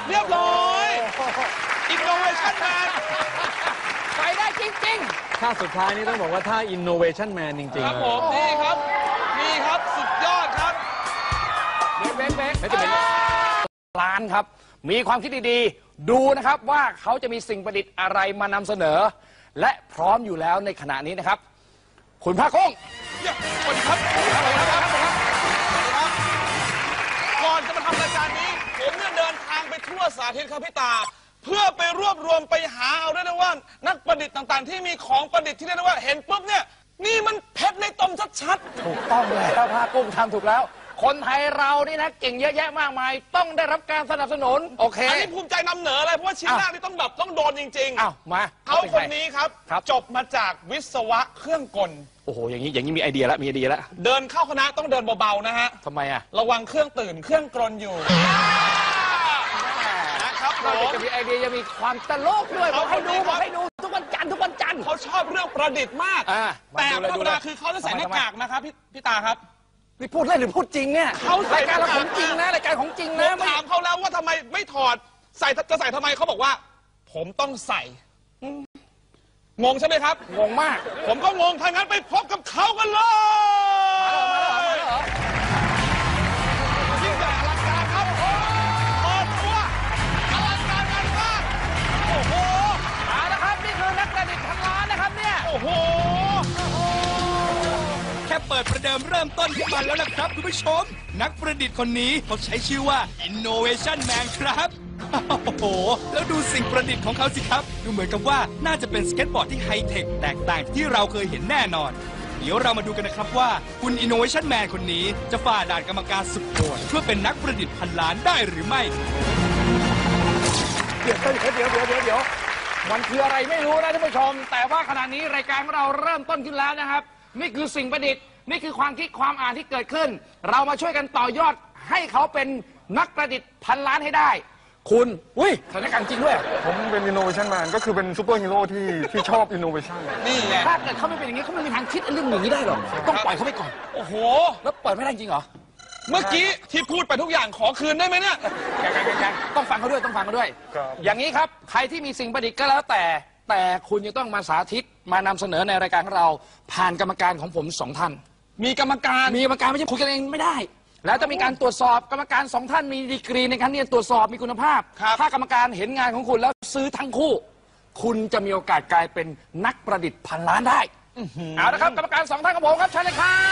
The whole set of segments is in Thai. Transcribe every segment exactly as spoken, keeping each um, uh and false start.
เรียบร้อยอินโนเวชั่นแมนไปได้จริงๆท่าสุดท้ายนี่ต้องบอกว่าท่า Innovation Man จริงๆครับผมนี่ครับนี่ครับสุดยอดครับเบ๊กเบ๊กเบ๊กจะเป็นร้านครับมีความคิดดีๆดูนะครับว่าเขาจะมีสิ่งประดิษฐ์อะไรมานำเสนอและพร้อมอยู่แล้วในขณะนี้นะครับคุณภาคงสวัสดีครับสวัสดีครับก่อนจะมาทำรายการนี้ผมเนี่ยเดินทางไปทั่วสาธิตครับพี่ตาเพื่อไปรวบรวมไปหาเอาได้นะว่านักประดิษฐ์ต่างๆที่มีของประดิษฐ์ที่เรียกได้ว่าเห็นปุ๊บเนี่ยนี่มันเพชรในตมชัดๆถูกต้องแล้วภาคงทำถูกแล้วคนไทยเรานี่นะเก่งเยอะแยะมากมายต้องได้รับการสนับสนุนโอเคอันนี้ภูมิใจนำเหนือเลยเพราะว่าชิ้นแรกนี่ต้องแบบต้องโดนจริงๆอ้าวมาเขาคนนี้ครับจบมาจากวิศวะเครื่องกลโอ้โหอย่างนี้อย่างนี้มีไอเดียแล้วมีไอเดียแล้วเดินเข้าคณะต้องเดินเบาๆนะฮะทำไมอะระวังเครื่องตื่นเครื่องกลอยู่นะครับเราจะมีไอเดียจะมีความตลกด้วยบอกให้ดูบอกให้ดูทุกวันจันทร์ทุกวันจันทร์เขาชอบเรื่องประดิษฐ์มากแต่ธรรมดาคือเขาจะใส่หน้ากากนะครับพี่พี่ตาครับนี่พูดเล่นหรือพูดจริงเนี่ยเขารายการเราของจริงนะรายการของจริงนะถามเขาแล้วว่าทำไมไม่ถอดใส่จะใส่ทำไมเขาบอกว่าผมต้องใส่งงใช่ไหมครับงงมากผมก็งงถ้างั้นไปพบกับเขากันเลยยิ่งใหญ่อลังการครับเปิดตัวอลังการงานมากโอ้โหเอาละครับนี่คือนักประดิษฐ์พันล้านนะครับเนี่ยโอ้โหแค่เปิดประเดิมเริ่มต้นขึ้นมาแล้วนะครับคุณผู้ชมนักประดิษฐ์คนนี้เขาใช้ชื่อว่า Innovation Man ครับโอ้โหแล้วดูสิ่งประดิษฐ์ของเขาสิครับดูเหมือนกับว่าน่าจะเป็นสเก็ตบอร์ดที่ไฮเทคแตกต่างที่เราเคยเห็นแน่นอนเดี๋ยวเรามาดูกันนะครับว่าคุณ Innovation Man คนนี้จะฝ่าด่านกรรมการสุดโหดเพื่อเป็นนักประดิษฐ์พันล้านได้หรือไม่เดี๋ยวเดี๋ยวเดี๋ยวเดี๋ยวเดี๋ยวเดี๋ยวมันคืออะไรไม่รู้นะท่านผู้ชมแต่ว่าขณะนี้รายการของเราเริ่มต้นขึ้นแล้วนะครับนี่คือสิ่งประดิษฐ์นี่คือความคิดความอ่านที่เกิดขึ้นเรามาช่วยกันต่อยอดให้เขาเป็นนักประดิษฐ์พันล้านให้ได้คุณอุ้ยสถานการณ์จริงด้วยผมเป็น Innovation Man ก็คือเป็นซูเปอร์ฮีโร่ที่ที่ชอบ Innovation นี่ไงถ้าเกิดเขาไม่เป็นอย่างนี้เขาไม่มีทางคิดเรื่องอย่างนี้ได้หรอกต้องปล่อยเขาไปก่อนโอ้โหแล้วเปิดไม่ได้จริงเหรอเมื่อกี้ที่พูดไปทุกอย่างขอคืนได้ไหมเนี่ยยังๆต้องฟังเขาด้วยต้องฟังเขาด้วยอย่างนี้ครับใครที่มีสิ่งประดิษฐ์ก็แล้วแต่แต่คุณจะต้องมาสาธิตมานำเสนอในรายการของเราผ่านกรรมการของผมสองท่านมีกรรมการมีกรรมการไม่ใช่คุยกันเองไม่ได้แล้วจะมีการตรวจสอบกรรมการสองท่านมีดีกรีในการเรียนตรวจสอบมีคุณภาพถ้ากรรมการเห็นงานของคุณแล้วซื้อทั้งคู่คุณจะมีโอกาสกลายเป็นนักประดิษฐ์พันล้านได้เอาละครับกรรมการสองท่านของผมครับเชิญเลยครับ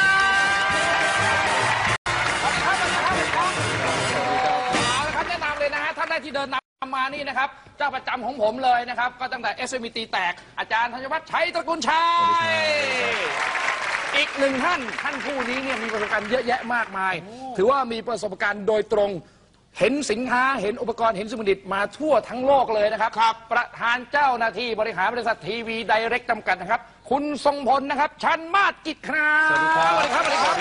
สวัสดีครับสวัสดีครับเอาละครับแนะนำเลยนะฮะท่านแรกที่เดินนำมานี่นะครับเจ้าประจำของผมเลยนะครับก็ตั้งแต่ เอส เอ็ม อี ตีแตกอาจารย์ธัญวัฒน์ชัยตระกูลชัยอีกหนึ่งท่านท่านผู้นี้เนี่ยมีประสบการณ์เยอะแยะมากมายถือว่ามีประสบการณ์โดยตรงเห็นสินค้าเห็นอุปกรณ์เห็นสิ่งประดิษฐ์มาทั่วทั้งโลกเลยนะครับประธานเจ้าหน้าที่บริหารบริษัททีวีไดเรกจำกัดนะครับคุณทรงพลนะครับชันมาศกิจครับสวัสดีครับสวัสดีครับสวัสดีครับ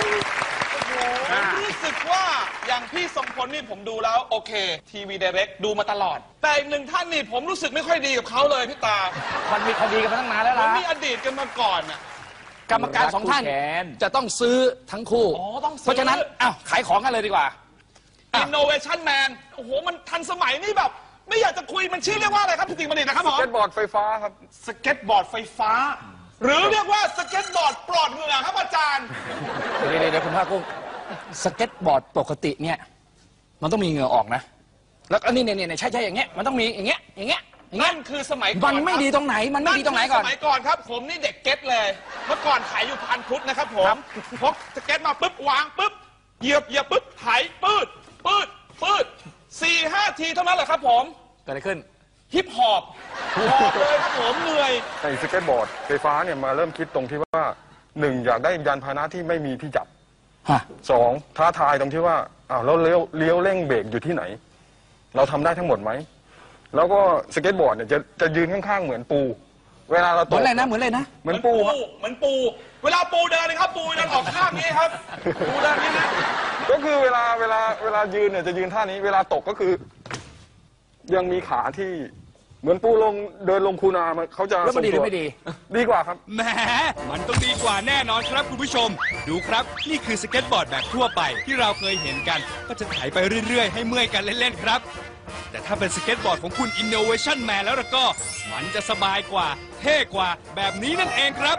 รู้สึกว่าอย่างพี่ทรงพลนี่ผมดูแล้วโอเคทีวีไดเรกดูมาตลอดแต่อีกหนึ่งท่านนี่ผมรู้สึกไม่ค่อยดีกับเขาเลยพี่ตามันมีคดีกันมาตั้งนานแล้วล่ะมันมีอดีตกันมาก่อนอ่ะกรรมการสองท่านจะต้องซื้อทั้งคู่เพราะฉะนั้นอ้าวขายของกันเลยดีกว่า Innovation Man โอ้โหมันทันสมัยนี่แบบไม่อยากจะคุยมันชื่อเรียกว่าอะไรครับพี่ติ๋งบัณฑิตนะครับผมสเก็ตบอร์ดไฟฟ้าครับสเก็ตบอร์ดไฟฟ้าหรือเรียกว่าสเก็ตบอร์ดปลอดเหงื่อครับอาจารย์เดี๋ยวเดี๋ยวคุณภาคกุ้งสเก็ตบอร์ดปกติเนี่ยมันต้องมีเหงื่อออกนะแล้วอันนี้เนี่ยเนี่ยใช่ใช่อย่างเงี้ยมันต้องมีอย่างเงี้ยอย่างเงี้ยนั่นคือสมัยก่อนมันไม่ดีตรงไหนมันไม่ดีตรงไหนก่อนสมัยก่อนครับผมนี่เด็กเก็ตเลยเมื่อก่อนขายอยู่พันพุทธนะครับผมพกสเก็ตมาปุ๊บวางปุ๊บเหยียบเหยียบปุ๊บไถปืดปืดปืดสี่ห้าทีเท่านั้นแหละครับผมเกิดอะไรขึ้นฮิปฮอปหอบเลยครับผมเหนื่อยไอ้สเก็ตบอร์ดไฟฟ้าเนี่ยมาเริ่มคิดตรงที่ว่าหนึ่งอยากได้ยานพาหนะที่ไม่มีที่จับสองท้าทายตรงที่ว่าอ้าวแล้วเลี้ยวเลี้ยวเร่งเบรกอยู่ที่ไหนเราทำได้ทั้งหมดไหมแล้วก็สเก็ตบอร์ดเนี่ยจะจะยืนข้างๆเหมือนปูเวลาเราตกเหมือนอะไรนะเหมือนอะไรนะเหมือนปูเหมือนปูเวลาปูเดินนะครับปูเดินออกข้างนี้ครับปูเดินนี้นะก็คือเวลาเวลาเวลายืนเนี่ยจะยืนท่านี้เวลาตกก็คือยังมีขาที่เหมือนปูลงเดินลงคูนาเขาจะแล้วมันดีหรือไม่ดีดีกว่าครับแหมมันต้องดีกว่าแน่นอนครับคุณผู้ชมดูครับนี่คือสเก็ตบอร์ดแบบทั่วไปที่เราเคยเห็นกันก็จะไถไปเรื่อยๆให้เมื่อยกันเล่นๆครับแต่ถ้าเป็นสเก็ตบอร์ดของคุณ Innovation Man แล้วล่ะก็ มันจะสบายกว่า เท่กว่าแบบนี้นั่นเองครับ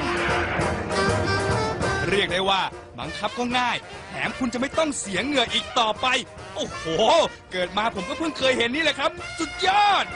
เรียกได้ว่าบังคับก็ง่าย แถมคุณจะไม่ต้องเสียเหงื่ออีกต่อไป โอ้โห เกิดมาผมก็เพิ่งเคยเห็นนี่แหละครับ สุดยอด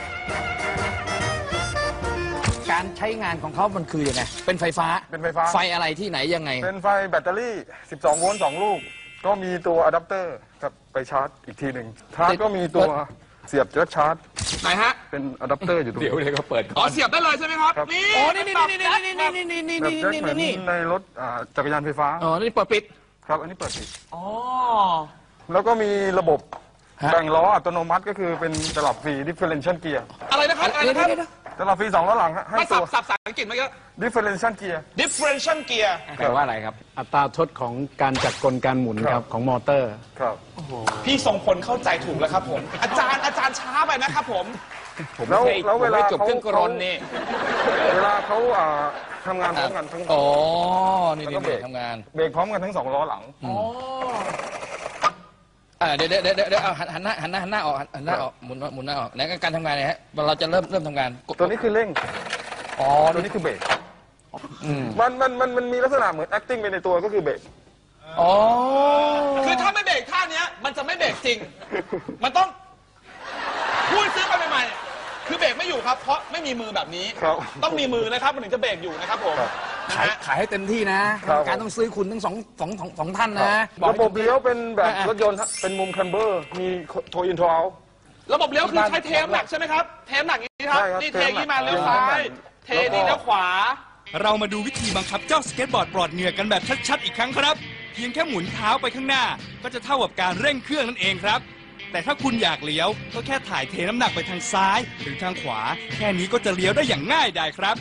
การใช้งานของเขามันคือยังไง เป็นไฟฟ้าเป็นไฟฟ้าไฟอะไรที่ไหนยังไงเป็นไฟแบตเตอรี่ สิบสอง โวลต์ สอง ลูก ก็มีตัวอะแดปเตอร์กับไปชาร์จอีกทีหนึ่งชาร์จก็มีตัวเสียบแจ็คชาร์จไหนฮะเป็นอะแดปเตอร์อยู่ตรงเดี๋ยวนี้เดี๋ยวก็เปิดอ๋อเสียบได้เลยใช่ไหมครับครับนี่โอ้นี่นี่นี่นี่นี่นี่นี่นี่แบบนี่แจ็คนี่เหมือนนี่ในรถอ่าจักรยานไฟฟ้าอ๋อนี่เปิดปิดครับ อันนี้เปิดปิดอ๋อแล้วก็มีระบบฮะแบ่งล้ออัตโนมัติก็คือเป็นตลับฟรี differential gear อะไรนะครับอะไรเดี๋ยวนะครับเดี๋ยวเดี๋ยวตลับฟรีสองล้อหลังฮะให้ไม่ตัสัวบสับสับอังกฤษเมื่อกี้ differential gear differential gear แปลว่าอะไรครับอัตราทดของการจัดกลการหมุนคครัรับ บของมอเตอร์ครับพี่ทรงพลเข้าใจถูกแล้วครับผม อาจารย์อาจารย์ช้าไปนะครับผมแล้วแล้วเวลาผมไม่จบเขาเครื่องกรนนี่เวลาเขาอ่าทำงานพร้อมกันทั้งอ๋อนี่แล้วนี่ก็เบรกทำงานเบรกพร้อมกันทั้งสองล้อหลังอ๋ออ่าเดี๋ยวเดี๋ยวเดี๋ยวเดี๋ยวเอาหันหันหน้าหันหน้าหันหน้าออกหันหน้าออกหมุนหมุนหน้าออกไหนการทำงานเนี่ยฮะเราจะเริ่มเริ่มทำงานกดตัวนี้คือเร่งอ๋อตัวนี่นี้คือเบรกอืมมันมันมันมันมีลักษณะเหมือน acting ไปในตัวก็คือเบรกอ๋อคือถ้าไม่เบรกท่าเนี้ย มันจะไม่เบรกจริง มันต้องพูดซื้อไปใหม่ๆคือเบรกไม่อยู่ครับ เพราะไม่มีมือแบบนี้ครับต้องมีมือนะครับมันถึงจะเบรกอยู่นะครับผมครับนะขายฮะขายให้เต็มที่นะครับ การต้องซื้อคุณทั้งสองสองสองสองท่านนะบอกระให้บบเลี้ยวเป็นแบบอ่ะรถยนต์ฮะเป็นมุมคัมเบอร์ มีโทอินโทเอาระบบเลี้ยวคือใช้เทมหนักใช่ไหมครับ เทมหนักอย่างนี้ครับใช่ครับนี่เทอย่างนี้มาเทเลี้ยวมหนักซ้าย เทนี่แล้วขวาเรามาดูวิธีบังคับเจ้าสเก็ตบอร์ดปลอดเหงื่อกันแบบชัดๆอีกครั้งครับ เพียงแค่หมุนเท้าไปข้างหน้า ก็จะเท่ากับการเร่งเครื่องนั่นเองครับ แต่ถ้าคุณอยากเลี้ยวก็แค่ถ่ายเทน้ำหนักไปทางซ้ายหรือทางขวา แค่นี้ก็จะเลี้ยวได้อย่างง่ายดายครับ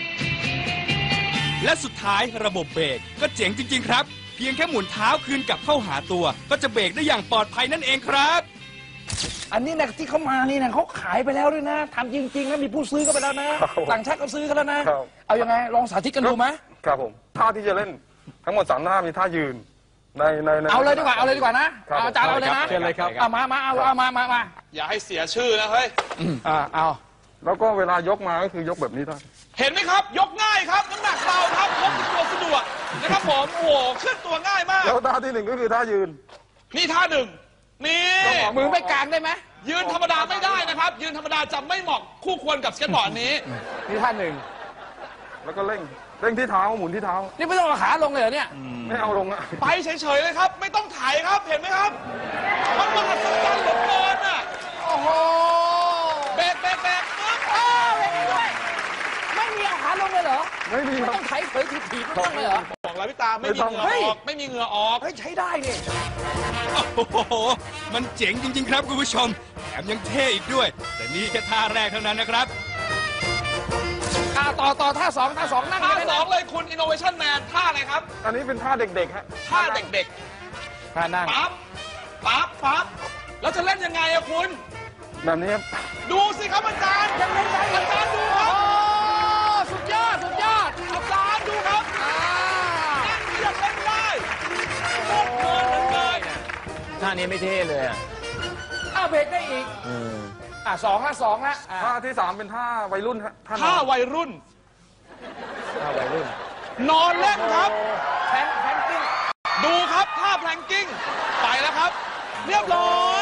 และสุดท้ายระบบเบรกก็เจ๋งจริง ๆ ครับ เพียงแค่หมุนเท้าคืนกลับเข้าหาตัว ก็จะเบรกได้อย่างปลอดภัยนั่นเองครับอันนี้นะที่เขามานี่นะเขาขายไปแล้วด้วยนะทำจริงๆแล้วมีผู้ซื้อก็ไปแล้วนะ ต่างชาติก็ซื้อกันแล้วนะครับเอายังไงลองสาธิตกันดูไหมครับผม ท่าที่จะเล่นทั้งหมดสามท่ามีท่ายืน ในในในเอาเลยดีกว่าเอาเลยดีกว่านะครับ เอาอาจารย์เอาเลยนะเชิญเลยครับเอามามาเอาเอามามามาอย่าให้เสียชื่อนะเฮ้ยอ่าเอาแล้วก็เวลายกมาก็คือยกแบบนี้ได้เห็นไหมครับ ยกง่ายครับน้ำหนักเบาครับพกติดตัวสะดวกนะครับผม โอ้โหขึ้นตัวง่ายมากแล้วท่าที่หนึ่งก็คือท่ายืนนี่ท่าหนึ่งนี่มือไม่กลางได้ไหมยืนธรรมดาไม่ได้นะครับ ยืนธรรมดาจะไม่เหมาะคู่ควรกับสเก็ตบอร์ดนี้นี่ท่านหนึ่งแล้วก็เร่ง เร่งที่เท้าหมุนที่เท้านี่ไม่ต้องเอาขาลงเลยเหรอเนี่ยไม่เอาลงอะไปเฉยๆเลยครับ ไม่ต้องถ่ายครับ เห็นไหมครับ มันมหัศจรรย์เหลือเกินอ่ะโอ้โหเบรกเบรกเบรกปึ๊บอ้าวไม่มีด้วยไม่มีเอาขาลงเลยเหรอไม่มีไม่ครับต้องไถเผยถีบถีบไม่ต้องเลยเหรอบอกแล้วพี่ตาไม่มีเหงื่อเฮ้ยออก ไม่มีเหงื่อออกเฮ้ยใช้ได้นี่โอ้โห มันเจ๋งจริง ๆ ครับคุณผู้ชม แถมยังเท่อีกด้วย แต่นี่แค่ท่าแรกเท่านั้นนะครับอ่าต่อต่อท่าสองท่าสองนั่งท่าได้สไหมองเลยคุณ Innovation Man ท่าอะไรครับอันนี้เป็นท่าเด็กๆฮะท่าเด็กท่านั่งๆ ปั๊บ ปั๊บ ปั๊บ แล้วจะเล่นยังไงอะคุณแบบนี้ครับดูสิครับอาจารย์ยังเล่นได้อาจารย์ดูคโอ้รับสุดยอด สุดยอดอาจารย์ดูครับอ่านั่งเรียกเล่นได้โคตรเพลินเหลือเกินท่านี้ไม่เท่เลยอ่ะอ้าวเบรกได้อีกอ่าสองละสองละอ่าท่าที่สามเป็นท่าวัยรุ่นฮะท่านท่าอนวัยรุ่นท่าวัยรุ่นนอนเล่นครับแพนแพนกิ้งดูครับท่าแพลงกิ้ง ไปแล้วครับ เรียบร้อย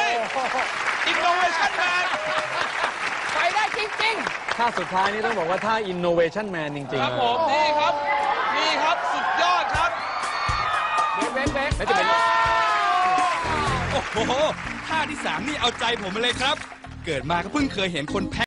Innovation Man ไปได้จริงท่าสุดท้ายนี่ต้องบอกว่าท่า innovation man จริงคๆรับเลผยม นี่ครับ นี่ครับ สุดยอดครับๆเบรกเบรกเบรกแล้วจะเป็นโอ้โห ท่าที่สามนี่เอาใจผมมาเลยครับ เกิดมาก็เพิ่งเคยเห็นคนแพ้